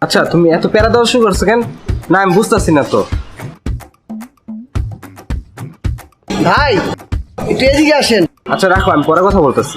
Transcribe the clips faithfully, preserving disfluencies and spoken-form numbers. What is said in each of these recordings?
আচ্ছা তুমি এত প্যারা দেওয়া শুরু করছো কেন? না আমি বুঝতেছি না তো। ভাই একটু এদিকে আসেন। আচ্ছা রাখো, আমি পরে কথা বলতেছি।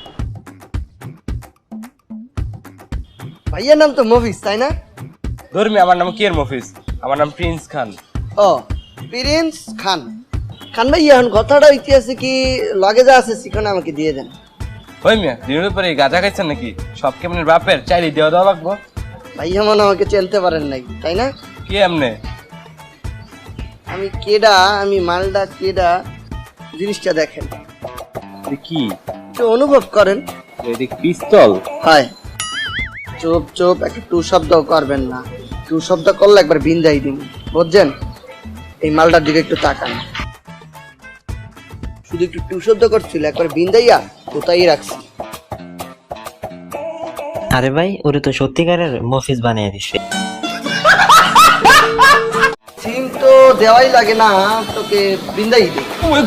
ভাইয়ের নাম তো মফিজ, তাই না? ধর্মী, আমার নাম কি এর মফিজ? আমার নাম প্রিন্স খান। ও প্রিন্স খান। খান ভাই, এখন কথাটা হইতেছে কি, লগে যা আছে শিখন আমাকে দিয়ে দেন। ওই মিয়া দিনের পরে গাঁজা খাইছেন নাকি? সব কেমন বাপের চাইলে দেওয়া দেওয়া লাগবো? ভাইয়া মনে আমাকে চিনতে পারেন নাই, তাই না? কি এমনে? আমি কেডা, আমি মালডা কেডা, জিনিসটা দেখেন, কি একটু অনুভব করেন। এদিক পিস্তল? হয় চুপ চুপ, একটা টু শব্দ করবেন না। টু শব্দ করলে একবার বিন্দাই দিন, বুঝছেন? এই মালটার দিকে একটু তাকান। শুধু একটু টু শব্দ করছিল, একবার বিন্দাইয়া কোথায় রাখছি। আরে ভাই, ওরে তো সত্যিকারের মফিজ বানিয়ে দিছে। সিম তো দেওয়াই লাগে না, তোকে বিন্দাই দে।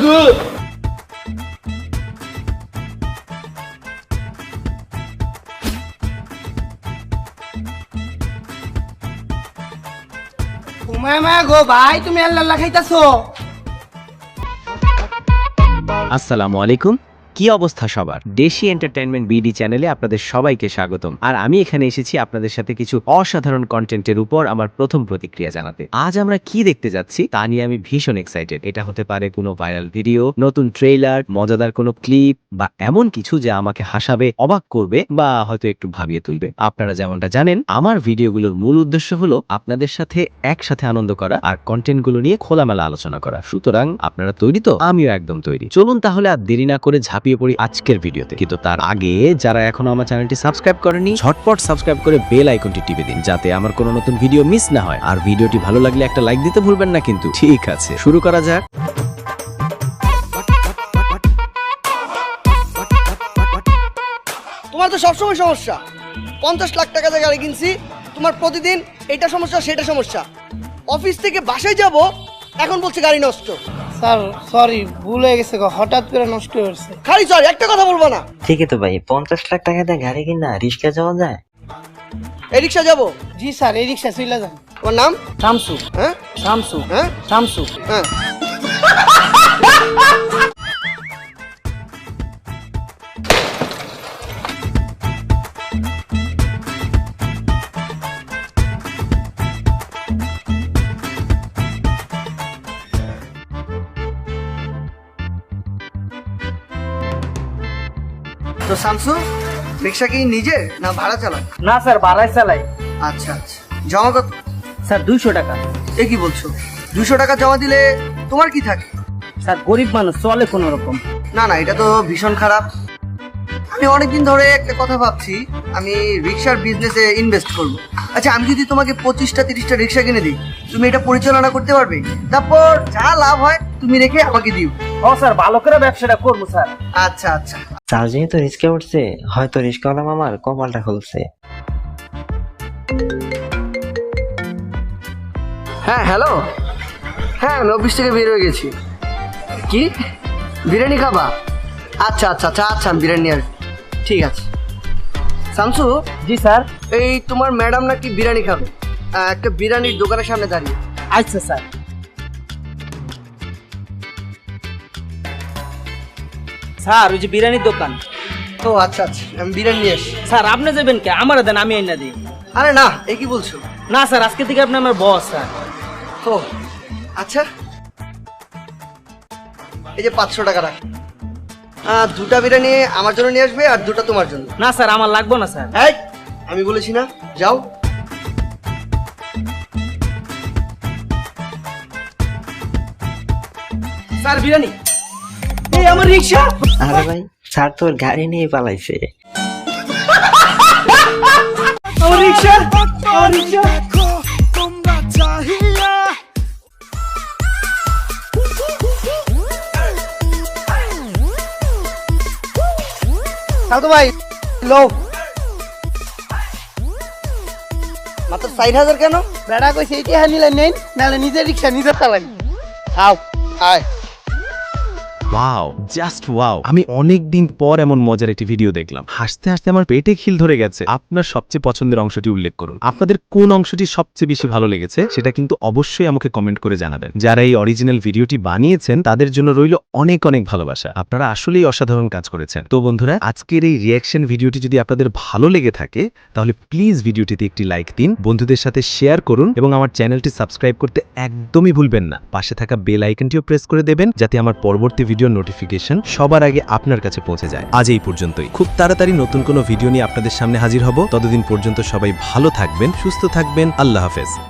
মা গো ভাই, তুমি আল্লাহ খাইতাছো? আসসালামু আলাইকুম। কি অবস্থা সবার? দেশি এন্টারটেইনমেন্ট বিডি চ্যানেলে আপনাদের সবাইকে স্বাগতম। আর আমি এখানে এসেছি আপনাদের সাথে কিছু অসাধারণ কন্টেন্টের উপর আমার প্রথম প্রতিক্রিয়া জানাতে। আজ আমরা কি দেখতে যাচ্ছি তা নিয়ে আমি ভীষণ এক্সাইটেড। এটা হতে পারে কোনো ভাইরাল ভিডিও, নতুন ট্রেইলার, মজাদার কোনো ক্লিপ বা এমন কিছু যা আমাকে হাসাবে, অবাক করবে বা হয়তো একটু ভাবিয়ে তুলবে। আপনারা যেমনটা জানেন, আমার ভিডিওগুলোর মূল উদ্দেশ্য হলো আপনাদের সাথে একসাথে আনন্দ করা আর কন্টেন্টগুলো নিয়ে খোলামেলা আলোচনা করা। সুতরাং আপনারা তৈরি তো? আমিও একদম তৈরি। চলুন তাহলে আর দেরি না করে ঝাঁপিয়ে পড়ি আজকের ভিডিওতে। কিন্তু তার আগে যারা এখনো আমার চ্যানেলটি সাবস্ক্রাইব করেনি, ঝটপট সাবস্ক্রাইব করে বেল আইকনটি টিপে দিন, যাতে আমার কোনো নতুন ভিডিও মিস না হয়। আর ভিডিওটি ভালো লাগলে একটা লাইক দিতে ভুলবেন না কিন্তু। ঠিক আছে, শুরু করা যাক। তোমার তো সবসময় সমস্যা। পঞ্চাশ লাখ টাকা দিয়ে গাড়ি কিনছি, তোমার প্রতিদিন এটা সমস্যা সেটা সমস্যা। অফিস থেকে বাসায় যাব, এখন বলছে গাড়ি নষ্ট। স্যার সরি, ভুল হয়ে গেছে গো, হঠাৎ করে নষ্ট হয়েছে। খালি সরি, একটা কথা বলবো না। ঠিকই তো ভাই, পঞ্চাশ লাখ টাকা দিয়ে গাড়ি কিনা রিক্সা যাওয়া যায়? এই রিক্সা যাবো? জি স্যার, এই রিক্সা চলে যান। তোমার নাম? শামসু। হ্যাঁ শামসু। হ্যাঁ শামসু। হ্যাঁ। তো শামসু, রিক্সা কি নিজে না ভাড়া চালান? না স্যার, ভাড়ায় চালাই। আচ্ছা আচ্ছা, জমা কত? স্যার দুইশো টাকা। এ কি বলছো? দুশো টাকা জমা দিলে তোমার কি থাকে? স্যার গরিব মানুষ, চলে কোনো রকম। না না, এটা তো ভীষণ খারাপ। আমি অনেকদিন ধরে একটা কথা ভাবছি, আমি রিক্সার বিজনেসে ইনভেস্ট করব। আচ্ছা, আমি যদি তোমাকে পঁচিশটা তিরিশটা রিক্সা কিনে দিই, তুমি এটা পরিচালনা করতে পারবে? তারপর যা লাভ হয় তুমি রেখে আমাকে দিও। ও স্যার, ভালো করে ব্যবসাটা করবো স্যার। আচ্ছা আচ্ছা। স্যার যেহেতু রিস্কে উঠছে, হয়তো রিস্কাওয়ালা মামার কপালটা খুলছে। হ্যাঁ হ্যালো, হ্যাঁ আমি অফিস থেকে বের হয়ে গেছি। কি বিরিয়ানি খাবা? আচ্ছা আচ্ছা আচ্ছা আচ্ছা, আমি বিরিয়ানি আর ঠিক আছে। শামসু। জি স্যার। এই তোমার ম্যাডাম নাকি বিরিয়ানি খাবে, আহ, একটা বিরিয়ানির দোকানের সামনে দাঁড়িয়ে। আচ্ছা স্যার। স্যার ওই যে বিরিয়ানির দোকান। ও আচ্ছা আচ্ছা, আমি বিরিয়ানি নিয়ে আসি। স্যার আপনি যাবেন কে? আমার দেন, আমি এনে দিই। আরে না, এ কি বলছো? না স্যার, আজকে থেকে আপনি আমার বস স্যার। ও আচ্ছা, এই যে পাঁচশো টাকা রাখ। আহ, দুটা বিরিয়ানি আমার জন্য নিয়ে আসবে আর দুটা তোমার জন্য। না স্যার, আমার লাগবে না স্যার। এই আমি বলেছি না, যাও। স্যার বিরিয়ানি। এই আমার রিক্সা। আরে ভাই, স্যার তোর গাড়ি নিয়ে পালাইছে। আমার রিক্সা, আমার রিক্সা। সাধু ভাই লো, মাত্র ষাট হাজার কেন? বেড়া কইছে এইটা নিলে নেন, নাহলে নিজের রিক্সা নিজে চালাই। আও আয়। Wow, just wow. আমি অনেক দিন পর এমন মজার একটি ভিডিও দেখলাম। হাসতে হাসতে আমার পেটে খিল ধরে গেছে। আপনার সবচেয়ে পছন্দের অংশটি উল্লেখ করুন। আপনাদের কোন অংশটি সবচেয়ে বেশি ভালো লেগেছে সেটা কিন্তু অবশ্যই আমাকে কমেন্ট করে জানাবেন। যারা এই অরিজিনাল ভিডিওটি বানিয়েছেন তাদের জন্য রইল অনেক অনেক ভালোবাসা। আপনারা আসলেই অসাধারণ কাজ করেছেন। তো বন্ধুরা, আজকের এই রিয়াকশন ভিডিওটি যদি আপনাদের ভালো লেগে থাকে তাহলে প্লিজ ভিডিওটিতে একটি লাইক দিন, বন্ধুদের সাথে শেয়ার করুন এবং আমার চ্যানেলটি সাবস্ক্রাইব করতে একদমই ভুলবেন না। পাশে থাকা বেল আইকনটিও প্রেস করে দেবেন যাতে আমার পরবর্তী ভিডিওর নোটিফিকেশন সবার আগে আপনার কাছে পৌঁছে যায়। আজ এই পর্যন্তই। খুব তাড়াতাড়ি নতুন কোনো ভিডিও নিয়ে আপনাদের সামনে হাজির হব। ততদিন পর্যন্ত সবাই ভালো থাকবেন, সুস্থ থাকবেন। আল্লাহ হাফেজ।